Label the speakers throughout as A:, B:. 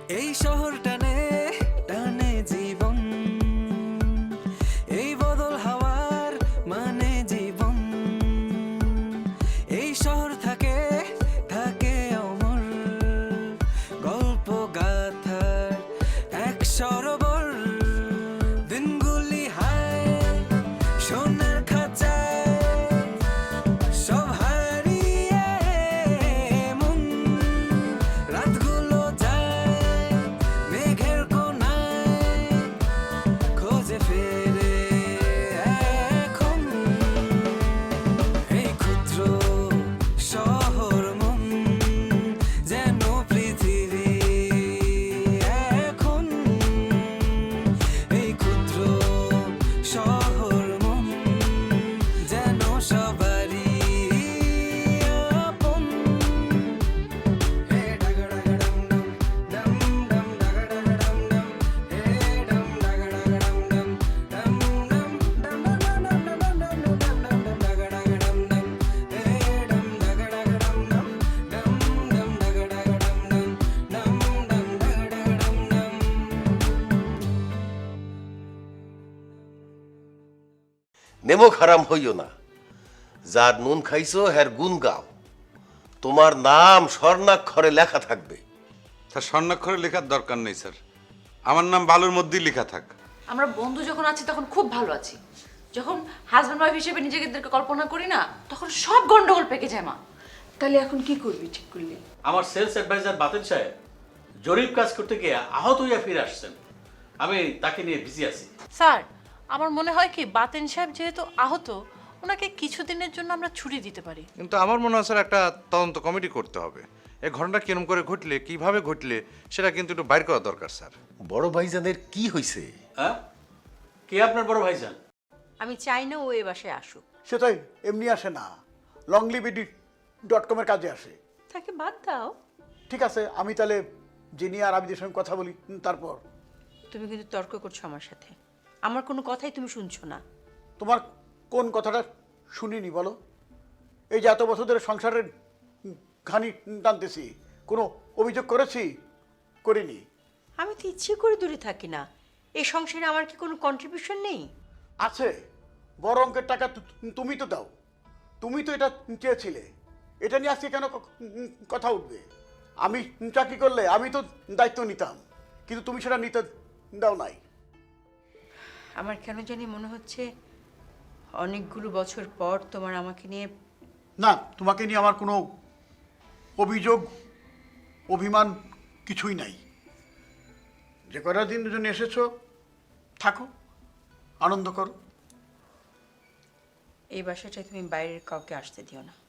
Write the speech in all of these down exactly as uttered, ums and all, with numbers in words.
A: এই শহর টানে টানে জীবন, এই বদল হাওয়ার মানে জীবন। এই শহর থাকে থাকে অমর, গল্প গাথার এক সরোবর। দিনগুলি হায় সোনার খাঁচায়, সব হারিয়ে মন। রাতগুলো যায় মেঘের কোনায়, খোঁজে ফেরে এখন। এই ক্ষুদ্র শহর মন যেন পৃথিবী এখন। এই ক্ষুদ্র শহর মন যেন সবারই আপন। হে ডাগডাগডম ডম ডম ডাগডাগডম ডম, হে ডম ডাগডাগডম ডম ডম ডম ডম ডম ডম ডম ডম ডম ডাগডাগডম ডম, হে ডম ডাগডাগডম ডম ডম ডম ডাগডাগডম ডম ডম ডম ডাগডাগডম ডম।
B: নেমো খারাম হইও না, যার নুন খাইছো হ্যার গুণ গাও। তোমার নাম স্বর্ণাক্ষরে লেখা থাকবে।
C: স্যার স্বর্ণাক্ষরে লেখার দরকার নেই স্যার, আমার নাম বালুর মধ্যেই লেখা থাক।
D: আমরা বন্ধু যখন আছি তখন খুব ভালো আছি, যখন হাজব্যান্ড ওয়াইফ হিসেবে নিজেদেরকে কল্পনা করি না, তখন সব গন্ডগোল পেকে যায় মা।
E: তাহলে এখন কি করবি ঠিক করলি?
F: আমার সেলস অ্যাডভাইজার বাতেন সাহেব জরিপ কাজ করতে গিয়ে আহত হইয়া ফিরে আসছেন। আমি তাকে নিয়ে বিজি আছি।
G: স্যার, আমার মনে হয় কি বাতেন সাহেব যেহেতু আহত, ওনাকে কিছুদিনের জন্য আমরা ছুটি দিতে পারি।
C: কিন্তু আমার মনে হয় স্যার একটা তদন্ত কমিটি করতে হবে। এই ঘটনাটা কিরম করে ঘটলে, কিভাবে ঘটলে, সেটা কিন্তু একটু বাইর করা দরকার স্যার।
B: বড় ভাইজানের কি হইছে?
F: হ্যাঁ, কে আপনার বড় ভাইজান?
E: আমি চাই না ও এ বাসায় আসুক।
H: সে তো এমনি আসে না, লংলিবিডি ডট কমের কাজে আসে।
E: তাকে বাদ দাও।
H: ঠিক আছে, আমি তাহলে জেনি আর আবিদের সঙ্গে কথা বলি, তারপর।
E: তুমি কিন্তু তর্ক করছো আমার সাথে, আমার কোনো কথাই তুমি শুনছো না।
H: তোমার কোন কথাটা শুনিনি বলো? এই যে এত বছর ধরে সংসারের ঘানি টানতেছি, কোনো অভিযোগ করেছি? করিনি।
E: আমি তো ইচ্ছে করে দূরে থাকি না, এই সংসারে আমার কি কোনো কন্ট্রিবিউশন নেই?
H: আছে, বড় অঙ্কের টাকা তু- তুমি তো দাও, তুমি তো এটা চেয়েছিলে। এটা নিয়ে আজকে কেন ক- কথা উঠবে? আমি চাকরি করলে আমি তো দায়িত্ব নিতাম, কিন্তু তুমি সেটা নিতে দাও নাই।
E: আমার কেন জানি মনে হচ্ছে অনেকগুলো বছর পর তোমার আমাকে নিয়ে।
H: না, তোমাকে নিয়ে আমার কোনো অভিযোগ অভিমান কিছুই নাই। যে কয়টা দিন জন্য এসেছো, থাকো, আনন্দ করো।
E: এই বাসাটায় তুমি বাইরের কাউকে আসতে দিও না।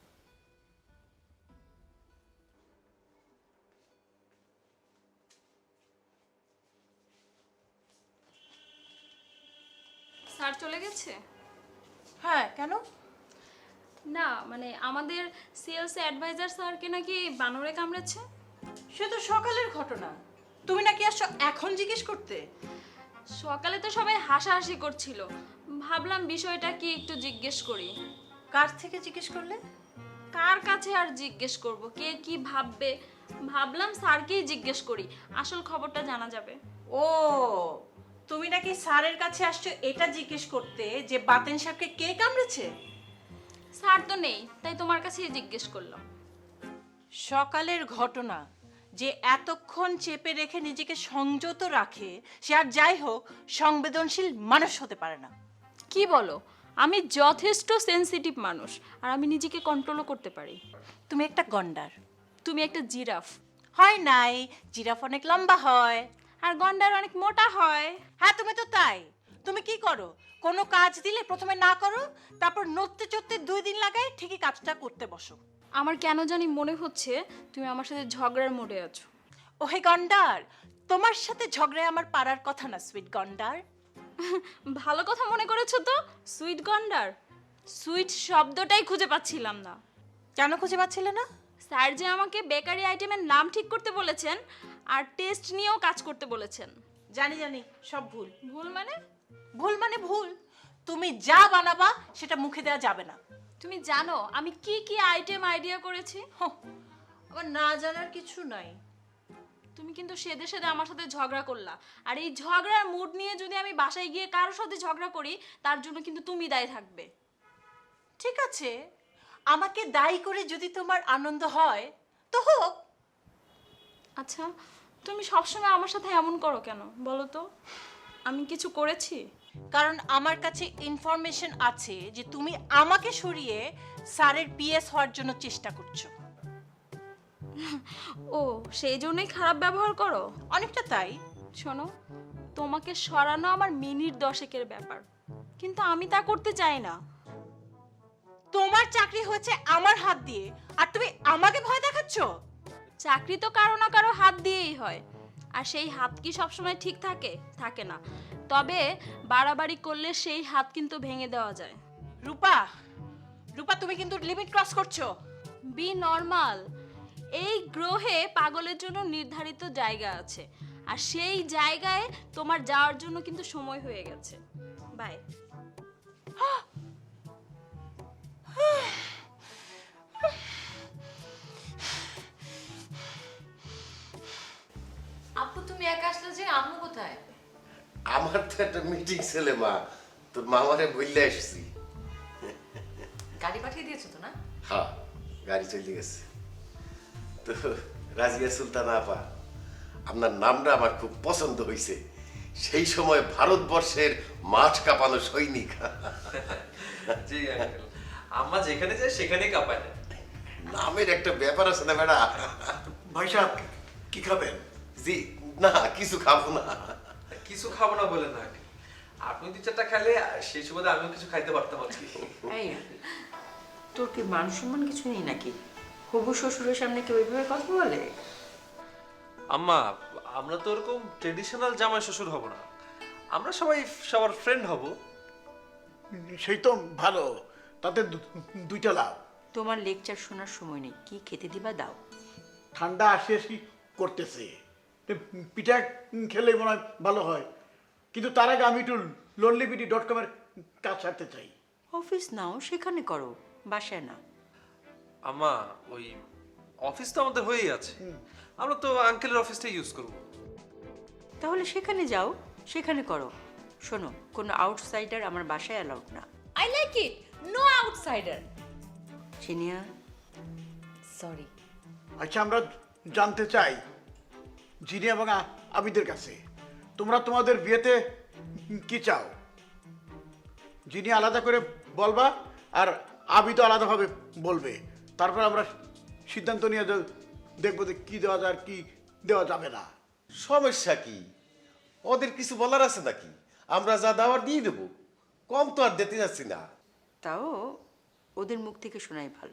I: স্যার চলে গেছে?
G: হ্যাঁ, কেন?
I: না মানে আমাদের সেলস অ্যাডভাইজার স্যারকে নাকি বানরে কামড়েছে।
G: সে তো সকালের ঘটনা, তুমি নাকি আসছো এখন জিজ্ঞেস করতে?
I: সকালে তো সবাই হাসাহাসি করছিল, ভাবলাম বিষয়টা কি একটু জিজ্ঞেস করি।
G: কার থেকে জিজ্ঞেস করলে?
I: কার কাছে আর জিজ্ঞেস করব, কে কি ভাববে, ভাবলাম স্যারকেই জিজ্ঞেস করি, আসল খবরটা জানা যাবে।
G: ও, তুমি নাকি স্যারের কাছে আসছো এটা জিজ্ঞেস করতে যে বাতেন সাহেবকে কে কামড়েছে?
I: স্যার তো নেই, তাই তোমার কাছেই জিজ্ঞেস করলাম।
G: সকালের ঘটনা যে এতক্ষণ চেপে রেখে নিজেকে সংযত রাখে, সে আর যাই হোক সংবেদনশীল মানুষ হতে পারে না।
I: কি বলো? আমি যথেষ্ট সেনসিটিভ মানুষ, আর আমি নিজেকে কন্ট্রোলও করতে পারি।
G: তুমি একটা গন্ডার।
I: তুমি একটা জিরাফ।
G: হয় নাই, জিরাফ অনেক লম্বা হয়।
I: আর গন্ডার অনেক মোটা হয়।
G: হ্যাঁ, তুমি তো তাই। তুমি কি করো? কোনো কাজ দিলে প্রথমে না করো, তারপর নড়তে চড়তে দুই দিন লাগায় ঠিকই কাজটা করতে বসো।
I: আমার কেন জানি মনে হচ্ছে তুমি আমার সাথে ঝগড়ার মোড়ে আছো।
G: ওহে গন্ডার, তোমার সাথে ঝগড়ায় আমার পারার কথা না সুইট গন্ডার।
I: ভালো কথা মনে করেছো তো, সুইট গন্ডার। সুইট শব্দটাই খুঁজে পাচ্ছিলাম না।
G: কেন খুঁজে পাচ্ছিলে না?
I: স্যার যে আমাকে বেকারি আইটেমের নাম ঠিক করতে বলেছেন আর টেস্ট নিয়েও কাজ করতে বলেছেন।
G: জানি জানি, সব ভুল।
I: ভুল মানে?
G: ভুল মানে ভুল। তুমি যা বানাবা সেটা মুখে দেওয়া যাবে না।
I: তুমি জানো আমি কি কি আইটেম আইডিয়া করেছি?
G: আমার না জানার কিছু নাই।
I: তুমি কিন্তু সেদে সেদে আমার সাথে ঝগড়া করলা, আর এই ঝগড়ার মুড নিয়ে যদি আমি বাসায় গিয়ে কারোর সাথে ঝগড়া করি তার জন্য কিন্তু তুমি দায়ী থাকবে।
G: ঠিক আছে, আমাকে দায়ী করে যদি তোমার আনন্দ হয় তো হোক।
I: আচ্ছা, তুমি সবসময় আমার সাথে এমন করো কেন বলো তো? আমি কিছু করেছি?
G: কারণ আমার কাছে ইনফরমেশন আছে যে তুমি আমাকে সরিয়ে স্যারের পিএস হওয়ার জন্য চেষ্টা করছো।
I: ও, সেই জন্যই খারাপ ব্যবহার করো?
G: অনেকটা তাই।
I: শোনো, তোমাকে সরানো আমার মিনিট দশেকের ব্যাপার, কিন্তু আমি তা করতে চাই না।
G: তোমার চাকরি হয়েছে আমার হাত দিয়ে, আর তুমি আমাকে ভয় দেখাচ্ছো?
I: চাকরি তো কারো না কারো হাত দিয়েই হয়, আর সেই হাত কি সবসময় ঠিক থাকে? থাকে না। তবে বাড়াবাড়ি করলে সেই হাত কিন্তু ভেঙে দেওয়া যায়।
G: রূপা, রূপা তুমি কিন্তু লিমিট ক্রস করছো।
I: Be normal. এই গ্রহে পাগলের জন্য নির্ধারিত জায়গা আছে, আর সেই জায়গায় তোমার যাওয়ার জন্য কিন্তু সময় হয়ে গেছে। বাই।
D: আপু তুমি একা আসলে যে, আম্মু কোথায়?
B: আমার তো একটা মিটিং ছেলে মা, তোর মামারে বললে এসেছি।
D: গাড়ি পাঠিয়ে দিয়েছো তো না?
B: হ্যাঁ, গাড়ি চলে গেছে। তো রাজিয়া সুলতানা আপা, আপনার নামটা আমার খুব পছন্দ হয়েছে। সেই সময় ভারতবর্ষের মাঠ কাঁপানো সৈনিক।
J: জি আঙ্কেল, আম্মা যেখানে যায় সেখানেই কাঁপায় না।
B: নামের একটা ব্যাপার আছে না ম্যাডাম?
H: ভাই সাহেব কি খাবেন?
B: জি না, কিছু খাবো না।
J: কিছু খাবো না বলে না, আপনি দু চারটা খেলে সেই সুবাদে আমিও কিছু খাইতে পারতাম আর কি।
E: এই তোর কি মান সম্মান কিছু নেই নাকি? হবু শ্বশুরের সামনে কেউ ওইভাবে কথা বলে?
J: আম্মা, আমরা তো ওরকম ট্রেডিশনাল জামাই শ্বশুর হব না, আমরা সবাই সবার ফ্রেন্ড হব।
H: সেই তো ভালো, তাতে দু- দুইটা লাভ।
E: তোমার লেকচার শোনার সময় নেই, কি খেতে দিবা দাও।
H: ঠান্ডা আসি আসি করতেছে, তো পিঠা খেলে মনে হয় ভালো হয়, কিন্তু তার আগে আমি একটু লোনলিবিডি ডট কমের কাজ সারতে চাই।
E: অফিস নাও, সেখানে করো, বাসায় না।
J: আম্মা, ওই অফিস তো আমাদের হয়েই আছে, আমরা তো আঙ্কেলের অফিসটাই ইউজ করব।
E: তাহলে সেখানে যাও, সেখানে করো। শোনো, কোনো আউটসাইডার আমার বাসায় অ্যালাউড না।
D: I like it, no outsider.
E: চিনিয়া,
D: সরি।
H: আচ্ছা, আমরা জানতে চাই জিনি এবং আ- আবিদের কাছে, তোমরা তোমাদের বিয়েতে কি চাও? জিনি আলাদা করে বলবা, আর আবিদও আলাদাভাবে বলবে। তারপর আমরা সিদ্ধান্ত নিয়ে দে- দেখবো যে কি দেওয়া যায় আর কি দেওয়া যাবে না।
B: সমস্যা কি? ওদের কিছু বলার আছে নাকি? আমরা যা দেওয়ার দিয়ে দেবো, কম তো আর দিতে যাচ্ছি না।
E: তাও ওদের মুখ থেকে শোনাই ভালো।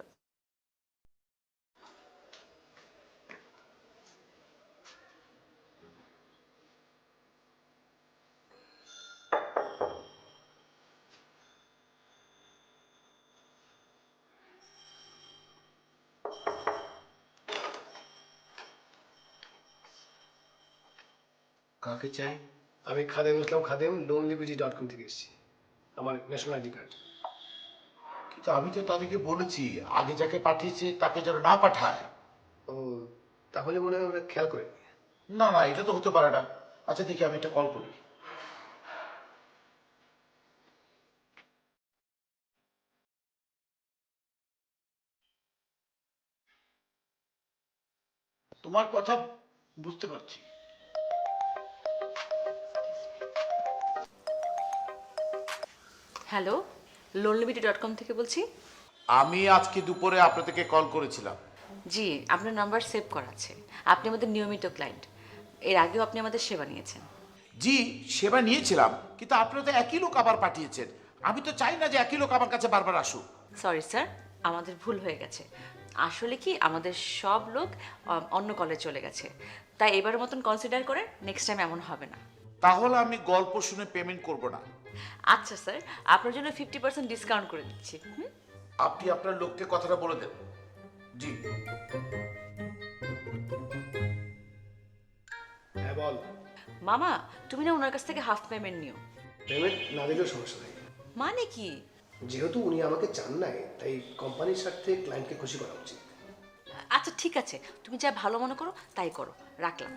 K: কাকে চাই? আমি খাদেম ইসলাম খাদেম, লোনলিবিডি ডট কম থেকে এসেছি। আমার ন্যাশনাল আইডি কার্ড।
H: কিন্তু আমি তো তাদেরকে বলেছি আগে যাকে পাঠিয়েছে তাকে যেন না পাঠায়।
K: ও, তাহলে মনে হয় ওরা খেয়াল করে।
H: না না, এটা তো হতে পারে না। আচ্ছা দেখি, আমি একটা কল করি। তোমার কথা বুঝতে পারছি।
D: হ্যালো, লোনলিবিটি ডট কম থেকে বলছি।
L: আমি আজকে দুপুরে আপনাদেরকে কল করেছিলাম।
D: জি, আপনার নাম্বার সেভ করা আছে। আপনি আমাদের নিয়মিত ক্লায়েন্ট, এর আগেও আপনি আমাদের সেবা নিয়েছেন।
L: জি, সেবা নিয়েছিলাম, কিন্তু আপনারা তো একই লোক আবার পাঠিয়েছেন। আমি তো চাই না যে একই লোক আমার কাছে বারবার আসুক।
D: সরি স্যার, আমাদের ভুল হয়ে গেছে। আসলে কি, আমাদের সব লোক আম, অন্য কলে চলে গেছে, তাই এবারের মতন কনসিডার করে নেক্সট টাইম এমন হবে না।
L: তাহলে আমি গল্প শুনে পেমেন্ট করব না।
D: আচ্ছা স্যার, আপনার জন্য ফিফটি পার্সেন্ট ডিসকাউন্ট করে দিচ্ছি। হুম?
L: আপনি আপনার লোককে কথাটা বলে দেন। জি।
K: হ্যাঁ বল।
D: মামা, তুমি না ওনার কাছ থেকে হাফ পেমেন্ট নিও।
K: পেমেন্ট না দিলেও সমস্যা নেই,
D: মানে কি?
K: যেহেতু উনি আমাকে চান নাই, তাই কোম্পানির স্বার্থে ক্লায়েন্টকে খুশি করা উচিত।
D: আচ্ছা ঠিক আছে, তুমি যা ভালো মনে করো তাই করো, রাখলাম।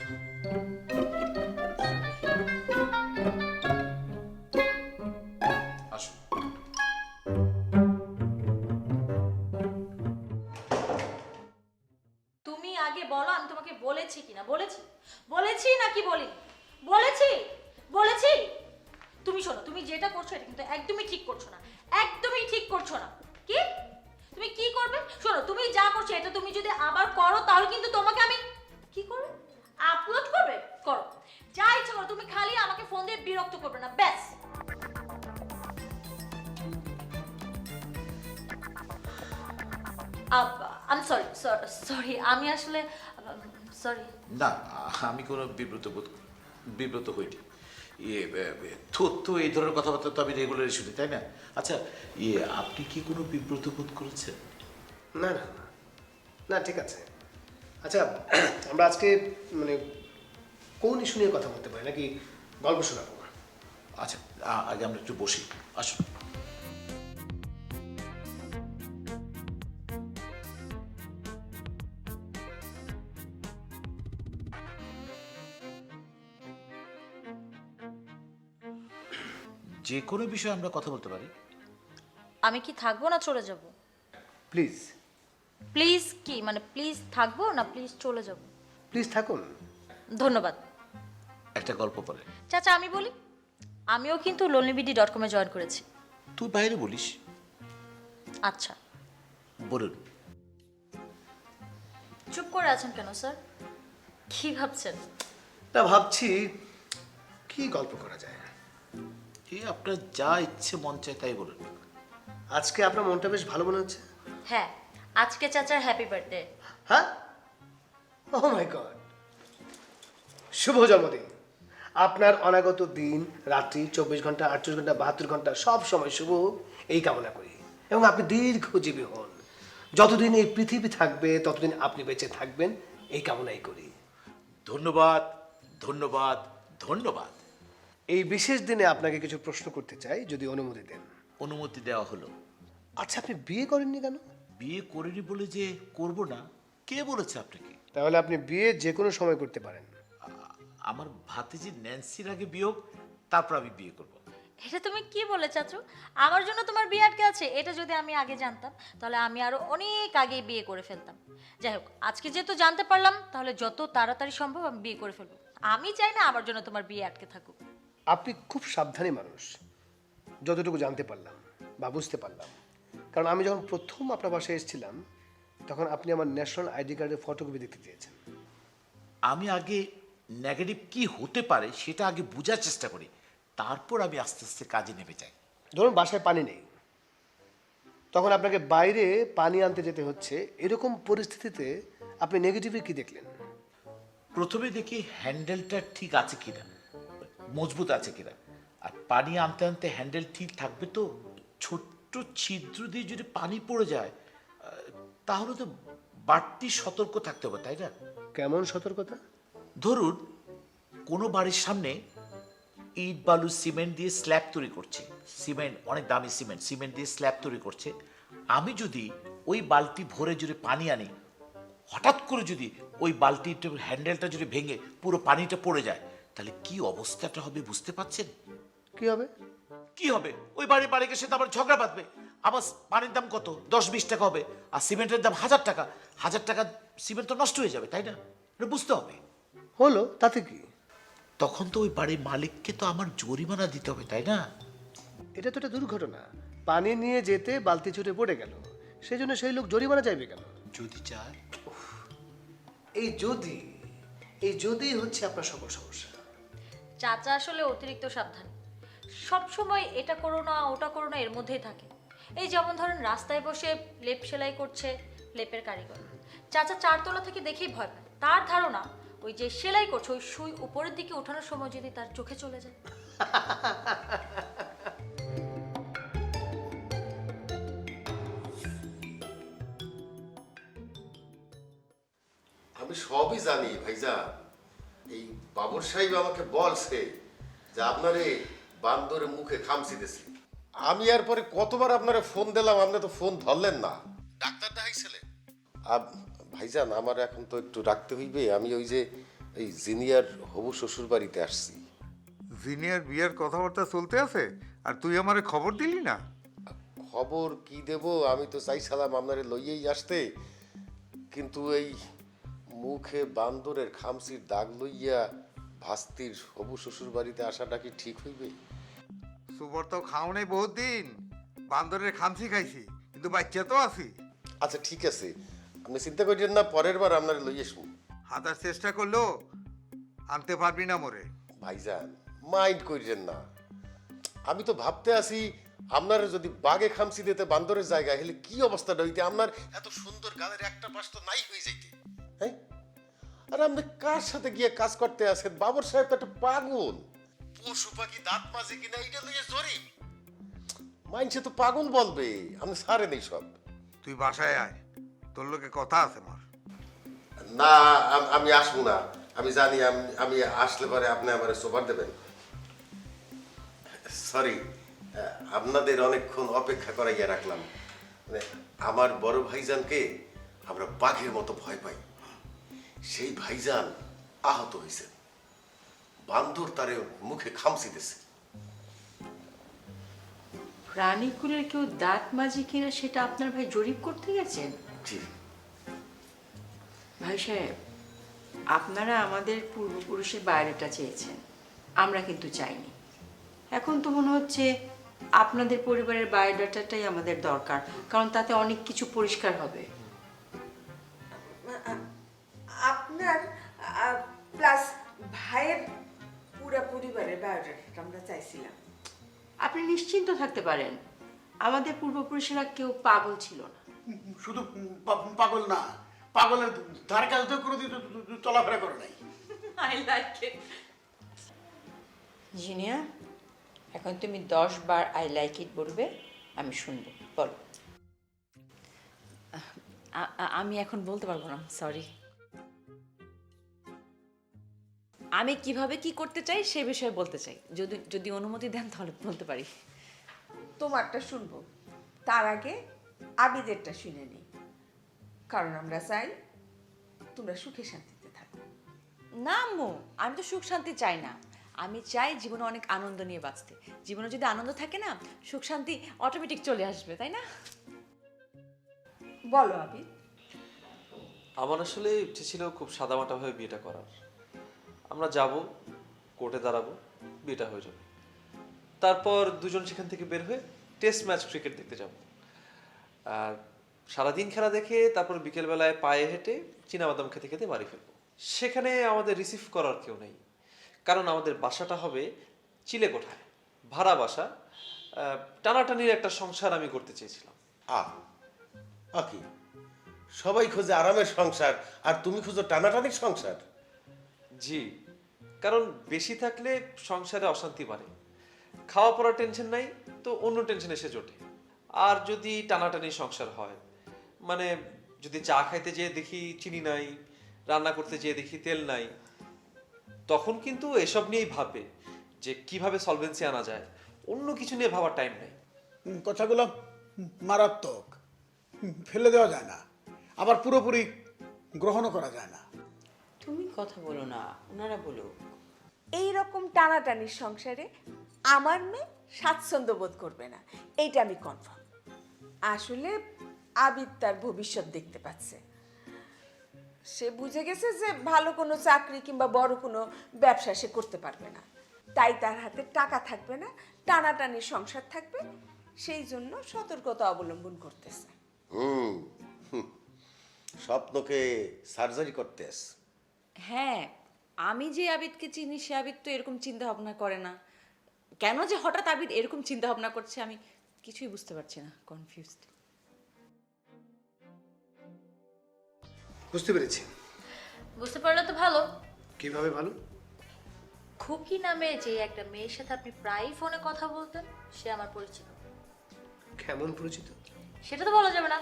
L: আসুন।
I: তুমি আগে বলো আমি তোমাকে বলেছি কিনা। বলেছি বলেছি নাকি বলি? বলেছি বলেছি। তুমি শোনো, তুমি যেটা করছো এটা কিন্তু একদমই ঠিক করছো না, একদমই ঠিক করছো না। কি তুমি কি করবে? শোনো, তুমি যা করছো এটা তুমি যদি আবার করো তাহলে কিন্তু তোমাকে আমি কি করব? আপলোড করবে? করো, যা ইচ্ছা করো, তুমি খালি আমাকে ফোন দিয়ে বিরক্ত করবে না, ব্যাস। আই এম সরি সরি আমি আসলে সরি।
L: না, আমি কোনো বিব্রত বোধ বিব্রত হইনি। ইয়ে তথ্য এই ধরনের কথাবার্তা তো আমি রেগুলারই শুনি, তাই না? আচ্ছা, ইয়ে আপনি কি কোনো বিব্রত বোধ করেছেন?
K: না না না, না ঠিক আছে। আচ্ছা, আমরা আজকে মানে কোন ইস্যু নিয়ে কথা বলতে পারি, নাকি গল্প শোনাবো?
L: আচ্ছা, আ- আগে আমরা একটু বসি, আসুন। যে কোনো বিষয়ে আমরা কথা বলতে পারি।
I: আমি কি থাকবো না চলে যাব?
K: প্লিজ
I: প্লিজ কি মানে প্লিজ থাকবো না প্লিজ চলে যাব?
K: প্লিজ থাকুন।
I: ধন্যবাদ।
L: একটা গল্প বলে।
I: চাচা আমি বলি, আমিও কিন্তু লোনলিবিডি ডট কমে জয়েন করেছি।
L: তুই বাইরে বলিস?
I: আচ্ছা,
L: বলুন।
I: চুপ করে আছেন কেন স্যার? কি ভাবছেন?
K: না, ভাবছি কি গল্প করা যায়।
L: এই আপনার যা ইচ্ছে মন চায় তাই বলুন।
K: আজকে আপনার মনটা বেশ ভালো মনে হচ্ছে।
I: হ্যাঁ, আজকে চাচার হ্যাপি বার্থডে।
K: হ্যাঁ, ও মাই গড, শুভ জন্মদিন। আপনার অনাগত দিন, রাত্রি, চব্বিশ ঘন্টা, আটচল্লিশ ঘন্টা, বাহাত্তর ঘন্টা সব সময় শুভ এই কামনা করি, এবং আপনি দীর্ঘজীবী হন। যতদিন এই পৃথিবী থাকবে ততদিন আপনি বেঁচে থাকবেন এই কামনাই করি।
L: ধন্যবাদ, ধন্যবাদ, ধন্যবাদ।
K: এই বিশেষ দিনে আপনাকে কিছু প্রশ্ন করতে চাই, যদি অনুমতি দেন।
L: অনুমতি দেওয়া হলো।
K: আচ্ছা, আপনি বিয়ে করেননি কেন?
L: বিয়ে করিনি বলে যে করব না, কে বলেছে আপনাকে?
K: তাহলে আপনি বিয়ে যে কোনো সময় করতে পারেন।
L: আমার ভাতিজি ন্যান্সির আগে বিয়োগ, তারপর আমি বিয়ে করব।
I: এটা তুমি কি বলে চাচু? আমার জন্য তোমার বিয়ে আটকে আছে? এটা যদি আমি আগে জানতাম তাহলে আমি আরো অনেক আগে বিয়ে করে ফেলতাম। যাই হোক, আজকে যেহেতু জানতে পারলাম তাহলে যত তাড়াতাড়ি সম্ভব আমি বিয়ে করে ফেলবো। আমি চাই না আমার জন্য তোমার বিয়ে আটকে থাকুক।
K: আপনি খুব সাবধানী মানুষ, যতটুকু জানতে পারলাম বা বুঝতে পারলাম। কারণ আমি যখন প্রথম আপনার বাসায় এসেছিলাম তখন আপনি আমার ন্যাশনাল আইডি কার্ডের ফটোকপি দেখতে চেয়েছেন।
L: আমি আগে নেগেটিভ কি হতে পারে সেটা আগে বোঝার চেষ্টা করি, তারপর আমি আস্তে আস্তে কাজে নেমে যাই।
K: ধরুন বাসায় পানি নেই, তখন আপনাকে বাইরে পানি আনতে যেতে হচ্ছে, এরকম পরিস্থিতিতে আপনি নেগেটিভে কি দেখলেন?
L: প্রথমে দেখি হ্যান্ডেলটা ঠিক আছে কিনা, মজবুত আছে কিনা। আর পানি আনতে আনতে হ্যান্ডেল ঠিক থাকবে তো? ছোট্ট ছিদ্র দিয়ে যদি পানি পড়ে যায় তাহলে তো বাড়তি সতর্ক থাকতে হবে, তাই না?
K: কেমন সতর্কতা?
L: ধরুন কোনো বাড়ির সামনে ইট বালু সিমেন্ট দিয়ে স্ল্যাব তৈরি করছে, সিমেন্ট অনেক দামি সিমেন্ট, সিমেন্ট দিয়ে স্ল্যাব তৈরি করছে। আমি যদি ওই বালতি ভরে যদি পানি আনি, হঠাৎ করে যদি ওই বালতির হ্যান্ডেলটা যদি ভেঙে পুরো পানিটা পড়ে যায়, তাহলে কি অবস্থাটা হবে বুঝতে পারছেন?
K: কি হবে?
L: কি হবে? ওই বাড়ি বাড়িকে সে তো আবার ঝগড়া বাঁধবে। আবার পানির দাম কত? দশ বিশ টাকা হবে, আর সিমেন্টের দাম হাজার টাকা। হাজার টাকা সিমেন্ট তো নষ্ট হয়ে যাবে, তাই না? এটা বুঝতে হবে।
K: হলো, তাতে কি?
L: তখন তো ওই বাড়ির মালিককে তো আমার জরিমানা দিতে হবে, তাই না?
K: এটা তো একটা দুর্ঘটনা। পানি নিয়ে যেতে বালতি ছুটে পড়ে গেল, সেই জন্য সেই লোক জরিমানা চাইবে কেন?
L: যদি চায়।
K: এই যদি এই যদি হচ্ছে আপনার সকল সমস্যা।
I: চাচা আসলে অতিরিক্ত সাবধান, সব সময় এটা করো না ওটা করো না এর মধ্যেই থাকে। এই যেমন ধরেন রাস্তায় বসে লেপ সেলাই করছে লেপের কারিগর, চাচা চারতলা থেকে দেখেই ভয় পায়। তার ধারণা ওই যে সেলাই করছে ওই সুই উপরের দিকে ওঠানোর সময় যদি তার চোখে চলে যায়।
B: আমি সবই জানি ভাইজান। এই বাবর সাহেব আমাকে বলছে যে আপনারে বান্দরের মুখে খামচি দিছি। আমি এরপরে কতবার আপনারে ফোন দিলাম, আপনি তো ফোন ধরলেন না। ডাক্তার দেখাইছিলেন? ভাইজান আমার এখন তো একটু রাখতে হইবে, আমি ওই যে এই জিনিয়ার হবু শ্বশুর বাড়িতে আসছি।
M: জিনিয়ার বিয়ের কথাবার্তা চলতে আছে আর তুই আমারে খবর দিলি না?
B: খবর কি দেব, আমি তো চাইছিলাম আপনারে লইয়েই আসতে, কিন্তু এই মুখে বান্দরের খামচির দাগ লইয়া ভাস্তির হবু শ্বশুর বাড়িতে আসাটা কি ঠিক হইবে?
M: সুবর তো খাও নাই বহুত দিন, বান্দরের খামসি খাইছি কিন্তু বাচ্চা তো আছি।
B: আচ্ছা ঠিক আছে, আপনি চিন্তা করেন না, পরের বার আপনারে লইয়ে শুন।
M: হাতার চেষ্টা করলো আনতে পারবি না মোরে।
B: ভাইজান মাইন্ড করিলেন না, আমি তো ভাবতে আছি আপনারা যদি বাগে খামসি দিতে বান্দরের জায়গায় হলে কি অবস্থাটা হইতে, আপনার এত সুন্দর গালের একটা পাশ তো নাই হয়ে যাইতে। হ্যাঁ, আর আপনি কার সাথে গিয়ে কাজ করতে আছেন? বাবর সাহেব তো একটা পাগল, পশু পাখি দাঁত মাজে কিনা এইটা লইয়ে জরি, মাইনসে তো পাগল বলবে। আপনি ছাড়েন এই সব।
M: তুই বাসায় আয়, তোর লোকে কথা আছে আমার।
B: না আম- আমি আসবো না, আমি জানি আম- আমি আসলে পরে আপনি আমার সোফার দেবেন। সরি, আপনাদের অনেকক্ষণ অপেক্ষা করাইয়া রাখলাম। মানে আমার বড় ভাইজানকে আমরা বাঘের মতো ভয় পাই, সেই ভাইজান আহত হয়েছে, বান্দর তারে মুখে খামচি দিছে।
E: প্রাণীকুলের কেউ দাঁত মাজি কিনা সেটা আপনার ভাই জরিপ করতে গেছেন?
B: জি
E: ভাই সাহেব, আপনারা আমাদের পূর্বপুরুষের বায়োডাটা চেয়েছেন, আমরা কিন্তু চাইনি। এখন তো মনে হচ্ছে আপনাদের পরিবারের বায়োডাটাটাই আমাদের দরকার, কারণ তাতে অনেক কিছু পরিষ্কার হবে।
N: আপনার প্লাস ভাইয়ের পুরা পরিবারের বায়োডাটা আমরা চাইছিলাম।
E: আপনি নিশ্চিন্ত থাকতে পারেন, আমাদের পূর্বপুরুষেরা কেউ পাগল ছিল না।
H: শুধু পা- পাগল না, পাগলের ধারে কাছে তো কোনোদিন চলাফেরা করে নাই।
E: আই লাইক ইট। জিনিয়া, এখন তুমি দশ বার আই লাইক ইট বলবে, আমি শুনবো, বলো।
D: আ- আ- আমি এখন বলতে পারবো না, সরি। আমি কিভাবে কি করতে চাই সে বিষয়ে বলতে চাই, যদি যদি অনুমতি দেন তাহলে বলতে পারি।
N: তোমারটা শুনবো, তার আগে আবিদেরটা শুনে নিই, কারণ আমরা চাই তোমরা সুখে শান্তিতে থাকো।
D: না আম্মু, আমি তো সুখ শান্তি চাই না, আমি চাই জীবনে অনেক আনন্দ নিয়ে বাঁচতে। জীবনে যদি আনন্দ থাকে না, সুখ শান্তি অটোমেটিক চলে আসবে, তাই না?
N: বলো আবিদ।
J: আমার আসলে ইচ্ছে ছিল খুব সাদামাটাভাবে বিয়েটা করার। আমরা যাব, কোর্টে দাঁড়াবো, বিয়েটা হয়ে যাবে, তারপর দুজন সেখান থেকে বের হয়ে টেস্ট ম্যাচ ক্রিকেট দেখতে যাব, আর সারাদিন খেলা দেখে তারপর বিকেলবেলায় পায়ে হেঁটে চীনাবাদাম খেতে খেতে বাড়ি ফিরবো। সেখানে আমাদের রিসিভ করার কেউ নেই, কারণ আমাদের বাসাটা হবে চিলেকোঠায়, ভাড়া বাসা। আহ, টানাটানির একটা সংসার আমি করতে চেয়েছিলাম।
B: আহ আকি, সবাই খোঁজে আরামের সংসার আর তুমি খুঁজো টানাটানির সংসার।
J: জি, কারণ বেশি থাকলে সংসারে অশান্তি বাড়ে, খাওয়া পড়ার টেনশন নাই তো অন্য টেনশন এসে জোটে। আর যদি টানাটানি সংসার হয়, মানে যদি চা খাইতে যেয়ে দেখি চিনি নাই, রান্না করতে যেয়ে দেখি তেল নাই, তখন কিন্তু এসব নিয়েই ভাববে যে কিভাবে সলভেন্সি আনা যায়, অন্য কিছু নিয়ে ভাবার টাইম নেই।
H: হুম, কথাগুলো মারাত্মক, হুম, ফেলে দেওয়া যায় না, আবার পুরোপুরি গ্রহণও করা যায় না।
E: তুমি কথা বলো না, ওনারা বলো।
N: এই রকম টানাটানির সংসারে আমার মেয়ে স্বাচ্ছন্দ্য বোধ করবে না, এইটা আমি কনফার্ম। আসলে আবিদ তার ভবিষ্যৎ দেখতে পাচ্ছে, সে বুঝে গেছে যে ভালো কোনো চাকরি কিংবা বড় কোনো ব্যবসা সে করতে পারবে না, তাই তার হাতে টাকা থাকবে না, টানাটানির সংসার থাকবে, সেই জন্য সতর্কতা অবলম্বন করতেছে।
B: হুম হুম, স্বপ্নকে সার্জারি করতে আস।
D: হ্যাঁ, আমি যে আবিদকে চিনি সে আবিদ তো এরকম চিন্তা ভাবনা করে না। কেন যে হঠাৎ আবিদ এরকম চিন্তা ভাবনা করছে আমি কিছুই বুঝতে পারছি না, কনফিউজড।
K: বুঝতে পেরেছি।
I: বুঝতে পারলে তো ভালো।
K: কিভাবে ভালো?
I: খুকি নামে যে একটা মেয়ের সাথে আপনি প্রায়ই ফোনে কথা বলতেন, সে আমার পরিচিত।
K: কেমন পরিচিত?
I: সেটা তো বলা যাবে না।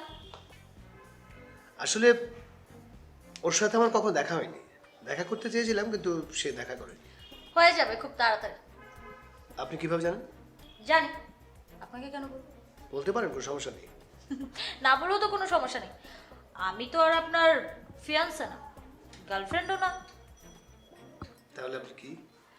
K: আসলে ওর সাথে আমার কখনো দেখা হয়নি, দেখা করতে চেয়েছিলাম কিন্তু সে দেখা করেনি।
I: হয়ে যাবে খুব তাড়াতাড়ি।
K: আপনি কিভাবে জানেন?
I: জানি, আপনাকে কেন বলবো?
K: বলতে পারেন, কোনো সমস্যা নেই।
I: না বলেও তো কোনো সমস্যা নেই। আমি তো আর আপনার ফিয়ান্সে না, গার্লফ্রেন্ডও না।
K: তাহলে আপনি কি?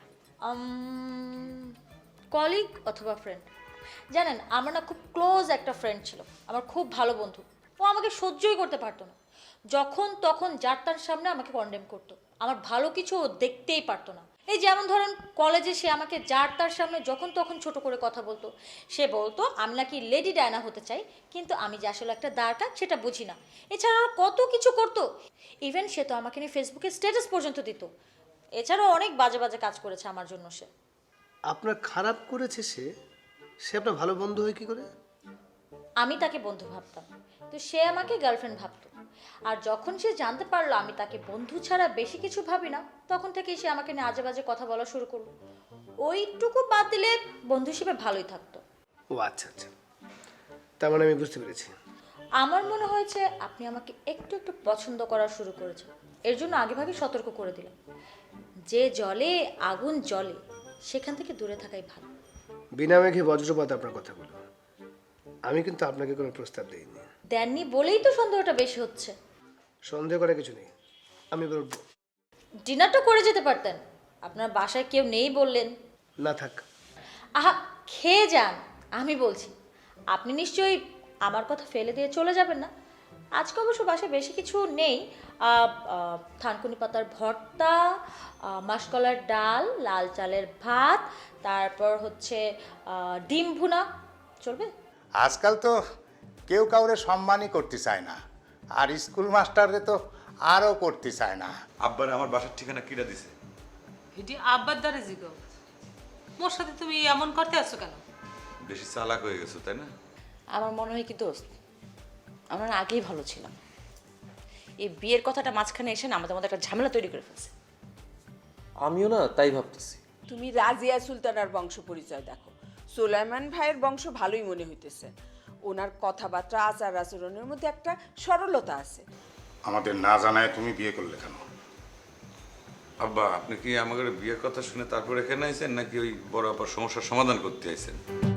I: কলিগ অথবা ফ্রেন্ড। জানেন, আমার না খুব ক্লোজ একটা ফ্রেন্ড ছিল, আমার খুব ভালো বন্ধু। ও আমাকে সহ্যই করতে পারতো না, যখন তখন যার তার সামনে আমাকে কন্ডেম করতো। আমার ভালো কিছু ও দেখতেই পারতো না। এই যেমন ধরেন কলেজে সে আমাকে যার তার সামনে যখন তখন ছোট করে কথা বলতো। সে বলতো আমি নাকি লেডি ডায়না হতে চাই, কিন্তু আমি যে আসলে একটা দ্বারকা সেটা বুঝি না। এছাড়াও কত কিছু করতো। ইভেন সে তো আমাকে নিয়ে ফেসবুকে স্ট্যাটাস পর্যন্ত দিত। এছাড়াও অনেক বাজে বাজে কাজ করেছে আমার জন্য সে।
K: আপনার খারাপ করেছে সে? সে আপনার ভালো বন্ধু হয় কি করে?
I: আমি তাকে বন্ধু ভাবতাম, তো সে আমাকে গার্লফ্রেন্ড ভাবতো। আর যখন সে জানতে পারলো আমি তাকে বন্ধু ছাড়া বেশি কিছু ভাবি না, তখন থেকেই সে আমাকে নিয়ে আজে বাজে কথা বলা শুরু করলো। ওইটুকু বাদ দিলে বন্ধু হিসেবে ভালোই থাকতো।
K: ও আচ্ছা আচ্ছা, তার মানে আমি বুঝতে পেরেছি।
I: আমার মনে হয়েছে আপনি আমাকে একটু একটু পছন্দ করা শুরু করেছেন, এর জন্য আগেভাগে সতর্ক করে দিলাম। যে জলে আগুন জ্বলে সেখান থেকে দূরে থাকাই ভালো।
K: বিনা মেঘে বজ্রপাত আপনার কথা বলো। আমি কিন্তু আপনাকে কোনো প্রস্তাব দিইনি।
I: দেননি বলেই তো সন্দেহটা বেশি হচ্ছে।
K: সন্দেহ করার কিছু নেই, আমি বলবো।
I: ডিনারটা করে যেতে পারতেন, আপনার বাসায় কেউ নেই বললেন।
K: না থাক।
I: আহা, খেয়ে যান, আমি বলছি। আপনি নিশ্চয়ই আমার কথা ফেলে দিয়ে চলে যাবেন না। আজকে অবশ্য বাসায় বেশি কিছু নেই। আহ, আহ, থানকুনি পাতার ভর্তা, আহ, মাসকলার ডাল, লাল চালের ভাত, তারপর হচ্ছে আহ, ডিম ভুনা। চলবে?
O: আজকাল তো কেউ কাউরে সম্মানই করতে চায় না, আর স্কুল মাস্টাররে তো আরও করতে চায় না।
C: আব্বার আমার বাসার ঠিকানা কিরা দিছে?
G: এটি আব্বার দ্বারা জিগো। মোর সাথে তুমি এমন করতে আসছো কেন?
C: বেশি চালাক হয়ে গেছো তাই না?
D: আমার মনে হয় কি দোস্ত, আমরা না আগেই ভালো ছিলাম। এই বিয়ের কথাটা মাঝখানে এসে না আমাদের মধ্যে একটা ঝামেলা তৈরি করে ফেলছে।
J: আমিও না তাই ভাবতেছি।
N: তুমি রাজিয়া সুলতানার বংশ পরিচয় দেখো। সুলাইমান ভাইয়ের বংশ ভালোই মনে হইতেছে। ওনার কথাবার্তা, আচার আচরণের মধ্যে একটা সরলতা আছে।
O: আমাদের না জানায় তুমি বিয়ে করলে কেন?
C: আব্বা, আপনি কি আমাদের বিয়ের কথা শুনে তারপর এখানে আইছেন, নাকি ওই বড় আপার সমস্যার সমাধান করতে আইছেন?